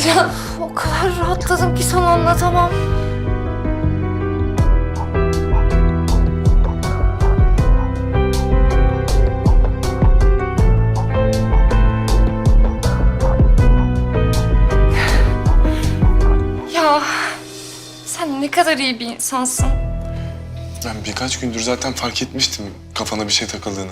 Ya o kadar rahatladım ki sana anlatamam. Ya sen ne kadar iyi bir insansın. Ben birkaç gündür zaten fark etmiştim kafana bir şey takıldığını.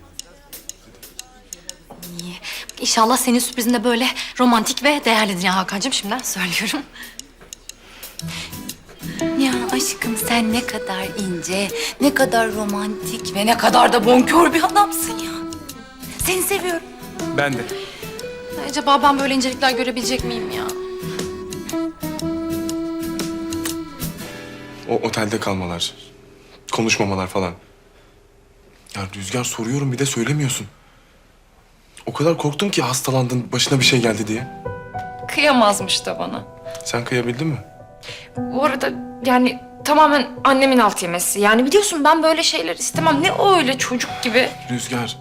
İnşallah senin sürprizin de böyle romantik ve değerlidir ya Hakan'cığım, şimdiden söylüyorum. Ya aşkım sen ne kadar ince, ne kadar romantik ve ne kadar da bonkör bir adamsın ya. Seni seviyorum. Ben de. Acaba ben böyle incelikler görebilecek miyim ya? O otelde kalmalar, konuşmamalar falan. Ya Rüzgar, soruyorum bir de söylemiyorsun. O kadar korktum ki hastalandın, başına bir şey geldi diye. Kıyamazmış da bana. Sen kıyabildin mi? Bu arada yani tamamen annemin alt yemesi. Yani biliyorsun ben böyle şeyler istemem. Ne o öyle çocuk gibi. Rüzgar.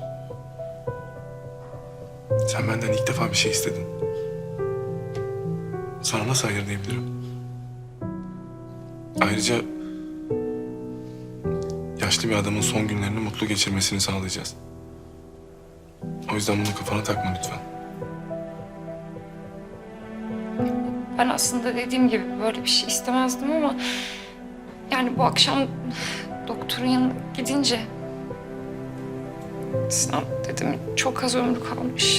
Sen benden ilk defa bir şey istedin. Sana nasıl hayır diyebilirim? Ayrıca yaşlı bir adamın son günlerini mutlu geçirmesini sağlayacağız. O yüzden bunu kafana takma lütfen. Ben aslında dediğim gibi böyle bir şey istemezdim ama... Yani bu akşam doktorun yanına gidince... Sinan dedim çok az ömrü kalmış.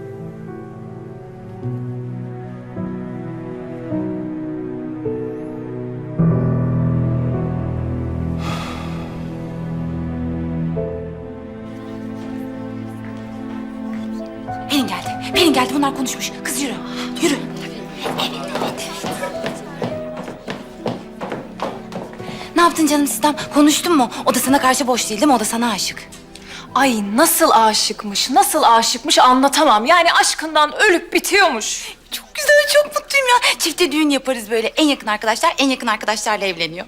Pelin geldi. Pelin geldi. Bunlar konuşmuş. Kız yürü. Yürü. Evet. Ne yaptın canım Sistem? Konuştun mu? O da sana karşı boş değil mi? O da sana aşık. Ay nasıl aşıkmış anlatamam. Yani aşkından ölüp bitiyormuş. Çok güzel, çok mutluyum ya. Çifte düğün yaparız böyle. En yakın arkadaşlarla evleniyor.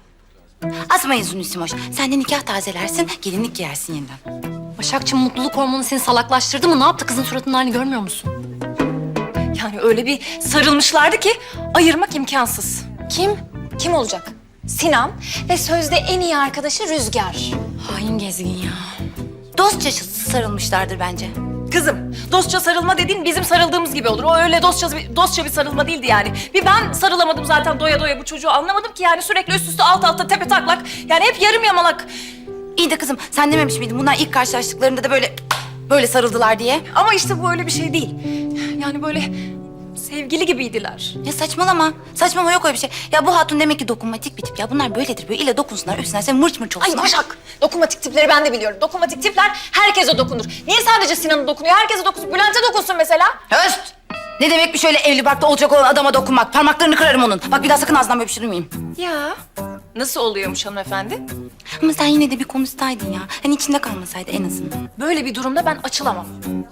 Asmayın Sünüsimoş. Sen de nikah tazelersin, gelinlik giyersin yeniden. Başakçığım, mutluluk hormonu seni salaklaştırdı mı? Ne yaptı? Kızın suratının halini görmüyor musun? Yani öyle bir sarılmışlardı ki ayırmak imkansız. Kim? Kim olacak? Sinan ve sözde en iyi arkadaşı Rüzgar. Hain gezgin ya. Dostça sarılmışlardır bence. Kızım, dostça sarılma dediğin bizim sarıldığımız gibi olur. O öyle dostça bir sarılma değildi yani. Bir ben sarılamadım zaten doya doya bu çocuğu. Anlamadım ki yani sürekli üst üste alt alta tepe taklak. Yani hep yarım yamalak. İyi de kızım, sen dememiş miydin bunlar ilk karşılaştıklarında da böyle sarıldılar diye? Ama işte bu öyle bir şey değil. Yani böyle sevgili gibiydiler. Ya saçmalama. Saçmalama, yok öyle bir şey. Ya bu hatun demek ki dokunmatik bir tip ya. Bunlar böyledir. Böyle ile dokunsunlar, üstüne sen mırç mırç olsunlar. Ay Başak, dokunmatik tipleri ben de biliyorum. Dokunmatik tipler herkese dokunur. Niye sadece Sinan'a dokunuyor? Herkese dokunsun. Bülent'e dokunsun mesela. Höst! Ne demekmiş öyle evli barklı olacak olan adama dokunmak? Parmaklarını kırarım onun. Bak bir daha sakın ağzından böyle bir şey duymayayım. Ya nasıl oluyormuş hanımefendi? Ama sen yine de bir konuşsaydın ya. Hani içinde kalmasaydı en azından. Böyle bir durumda ben açılamam.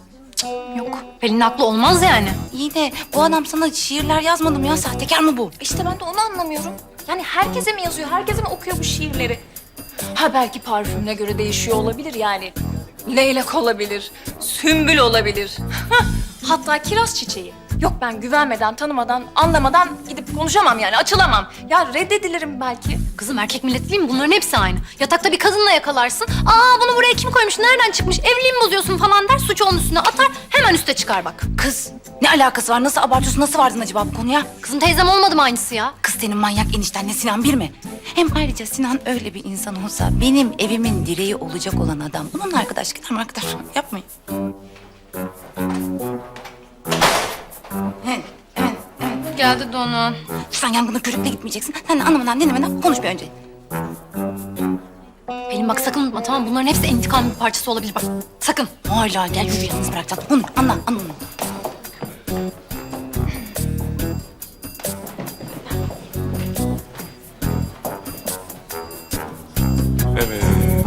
Yok. Pelin haklı olmaz yani. İyi de bu adam sana şiirler yazmadı mı ya? Sahtekar mı bu? İşte ben de onu anlamıyorum. Yani herkese mi yazıyor? Herkese mi okuyor bu şiirleri? Ha belki parfümüne göre değişiyor olabilir yani. Leylak olabilir, sümbül olabilir. Hatta kiraz çiçeği. Yok ben güvenmeden, tanımadan, anlamadan gidip konuşamam yani, açılamam. Ya reddedilirim belki. Kızım, erkek milleti değil mi? Bunların hepsi aynı. Yatakta bir kadınla yakalarsın. Aa, bunu buraya kim koymuş? Nereden çıkmış? Evliliği mi bozuyorsun falan der. Suçu onun üstüne atar. Hemen üste çıkar bak. Kız ne alakası var? Nasıl abartıyorsun? Nasıl vardın acaba bu konuya? Kızım, teyzem olmadı mı aynısı ya? Kız senin manyak eniştenle Sinan bir mi? Hem ayrıca Sinan öyle bir insan olsa benim evimin direği olacak olan adam. Bununla arkadaş gider mi arkadaş? Yapmayın. Evet. Geldi Donu. Sen yangına körükle gitmeyeceksin. Sen de anlamadan dinlemeden konuş bir önce. Pelin bak, sakın unutma, tamam mı? Bunların hepsi intikamın bir parçası olabilir bak. Sakın. Hala gel yürü, yalnız bırakacağım. Konuş, anla. Evet.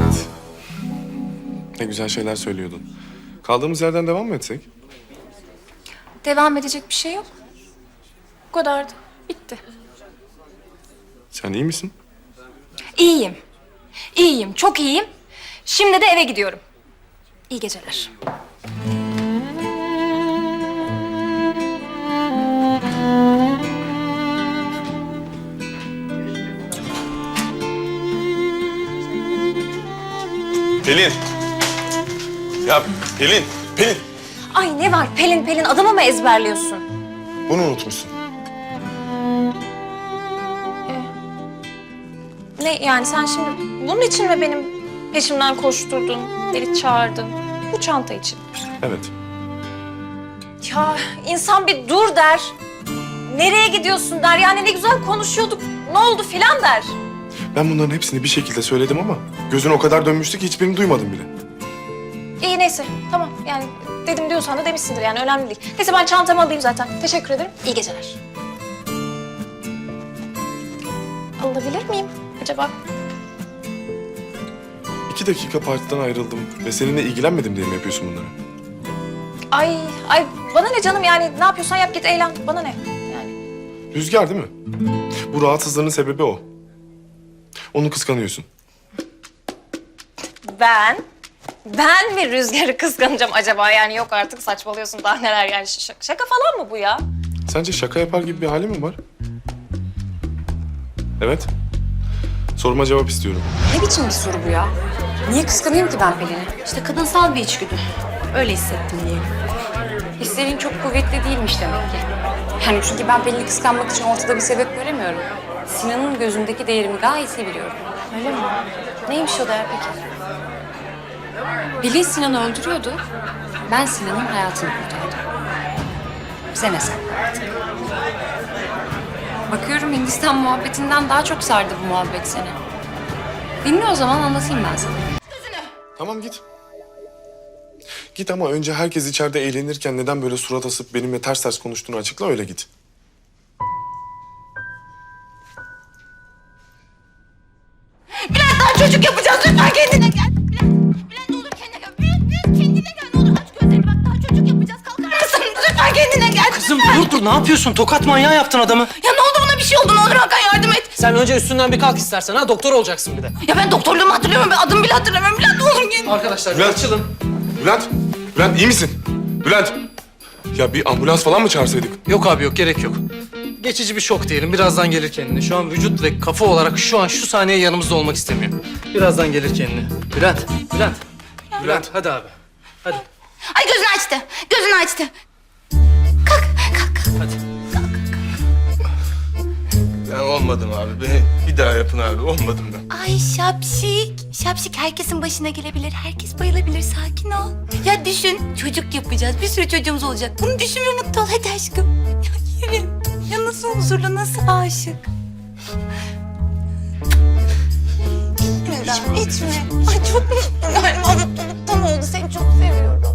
Ne güzel şeyler söylüyordun. Kaldığımız yerden devam mı etsek? Devam edecek bir şey yok. Bu kadardı. Bitti. Sen iyi misin? İyiyim. İyiyim, çok iyiyim. Şimdi de eve gidiyorum. İyi geceler. Pelin. Ya Pelin, Pelin. Ay ne var Pelin Pelin adımı mı ezberliyorsun? Bunu unutmuşsun. Ne yani sen şimdi bunun için mi benim peşimden koşturdun, beni çağırdın? Bu çanta için. Evet. Ya insan bir dur der. Nereye gidiyorsun der. Yani ne güzel konuşuyorduk. Ne oldu filan der. Ben bunların hepsini bir şekilde söyledim ama gözün o kadar dönmüştü ki hiçbirini duymadım bile. İyi neyse tamam yani dedim diyorsan da demişsindir yani önemli değil. Neyse ben çantamı alayım zaten. Teşekkür ederim. İyi geceler. Alabilir miyim acaba? 2 dakika partiden ayrıldım ve seninle ilgilenmedim diye mi yapıyorsun bunları? Ay bana ne canım yani ne yapıyorsan yap git eğlen. Bana ne yani. Rüzgar değil mi? Bu rahatsızlığının sebebi o. Onu kıskanıyorsun. Ben mi Rüzgar'ı kıskanacağım acaba? Yani yok artık saçmalıyorsun daha neler yani şaka falan mı bu ya? Sence şaka yapar gibi bir hali mi var? Evet. Soruma cevap istiyorum. Ne biçim bir soru bu ya? Niye kıskanayım ki ben Pelin'i? İşte kadınsal bir içgüdü. Öyle hissettim diyelim. Hislerin çok kuvvetli değilmiş demek ki. Yani çünkü ben Pelin'i kıskanmak için ortada bir sebep göremiyorum. Sinan'ın gözündeki değerimi gayet iyi biliyorum. Öyle mi? Neymiş o değer peki? Pelin Sinan'ı öldürüyordu. Ben Sinan'ın hayatını kurtardım. Bize ne sen artık? Bakıyorum Hindistan muhabbetinden daha çok sardı bu muhabbet seni. Dinle o zaman anlatayım ben sana. Tamam git. Git ama önce herkes içeride eğlenirken neden böyle surat asıp benimle ters ters konuştuğunu açıkla öyle git. Bülent daha çocuk yapacağız. Lütfen kendine gel. Bülent ne olur kendine gel. Bülent kendine gel. Ne olur aç gözlerini bak daha çocuk yapacağız. Kalkar mısın? Lütfen kendine gel. Kızım dur ne yapıyorsun? Tokat manyağı yaptın adamı. Ya ne oldu buna bir şey oldu. Ne olur Hakan yardım et. Sen önce üstünden bir kalk istersen ha. Doktor olacaksın bir de. Ya ben doktorluğumu hatırlıyorum. Ben adımı bile hatırlamıyorum. Bülent ne olur gel. Arkadaşlar Bülent. açılın. Bülent, Bülent iyi misin? Bülent. Ya bir ambulans falan mı çağırsaydık? Yok abi yok gerek yok. Geçici bir şok diyelim. Birazdan gelir kendine. Şu an vücut ve kafa olarak şu an şu saniye yanımızda olmak istemiyor. Birazdan gelir kendine. Bülent hadi abi. Hadi. Ay gözünü açtı. Gözünü açtı. Kalk. Hadi. Ben olmadım abi. Beni bir daha yapın abi. Olmadım ben. Ay şapşik. Şapşik herkesin başına gelebilir. Herkes bayılabilir. Sakin ol. Ya düşün. Çocuk yapacağız. Bir sürü çocuğumuz olacak. Bunu düşün ve mutlu ol. Hadi aşkım. Ya yürü. Ya nasıl huzurlu, nasıl aşık. İçme. Ay çok mutluyum. Mutluluktan oldu. Seni çok seviyorum.